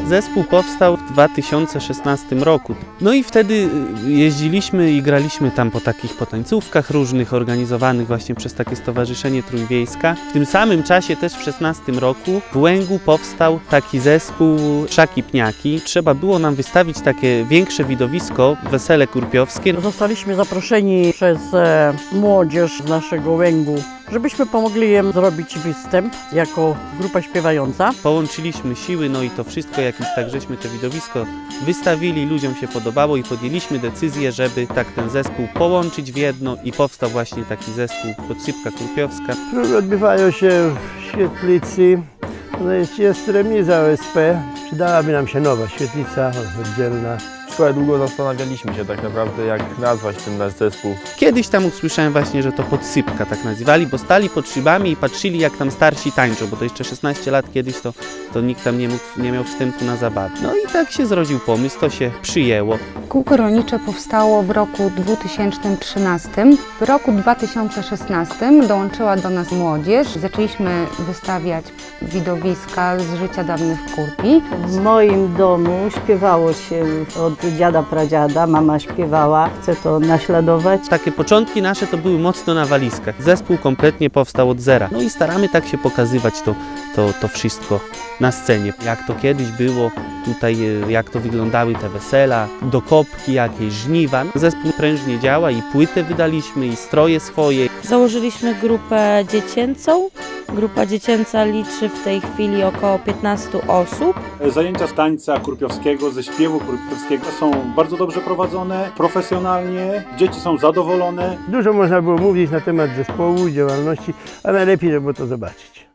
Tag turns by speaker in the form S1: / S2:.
S1: Zespół powstał w 2016 roku. No i wtedy jeździliśmy i graliśmy tam po takich potańcówkach różnych, organizowanych właśnie przez takie Stowarzyszenie Trójwiejska. W tym samym czasie też w 2016 roku w Łęgu powstał taki zespół Szaki Pniaki. Trzeba było nam wystawić takie większe widowisko, wesele kurpiowskie.
S2: Zostaliśmy zaproszeni przez młodzież z naszego Łęgu, żebyśmy pomogli im zrobić występ jako grupa śpiewająca.
S1: Połączyliśmy siły, no i to wszystko jakimś tak żeśmy to widowisko wystawili, ludziom się podobało i podjęliśmy decyzję, żeby tak ten zespół połączyć w jedno i powstał właśnie taki zespół Podsypka Kurpiowska.
S3: Próby odbywają się w świetlicy. No jest remiza OSP. Przydałaby nam się nowa świetlica oddzielna.
S4: Szkołę długo zastanawialiśmy się tak naprawdę, jak nazwać ten nasz zespół.
S1: Kiedyś tam usłyszałem właśnie, że to Podsypka tak nazywali, bo stali pod szybami i patrzyli, jak tam starsi tańczą, bo to jeszcze 16 lat kiedyś to nikt tam nie miał wstępu na zabawę. No i tak się zrodził pomysł, to się przyjęło.
S5: Kółko rolnicze powstało w roku 2013. W roku 2016 dołączyła do nas młodzież. Zaczęliśmy wystawiać widowiska z życia dawnych Kurpi.
S6: W moim domu śpiewało się od dziada, pradziada, mama śpiewała, chcę to naśladować.
S1: Takie początki nasze to były mocno na walizkach. Zespół kompletnie powstał od zera. No i staramy tak się pokazywać to wszystko na scenie. Jak to kiedyś było tutaj, jak to wyglądały te wesela, dokopki, jakieś żniwa. Zespół prężnie działa i płytę wydaliśmy, i stroje swoje.
S7: Założyliśmy grupę dziecięcą. Grupa dziecięca liczy w tej chwili około 15 osób.
S8: Zajęcia z tańca kurpiowskiego, ze śpiewu kurpiowskiego są bardzo dobrze prowadzone, profesjonalnie, dzieci są zadowolone.
S3: Dużo można było mówić na temat zespołu, działalności, a najlepiej, żeby to zobaczyć.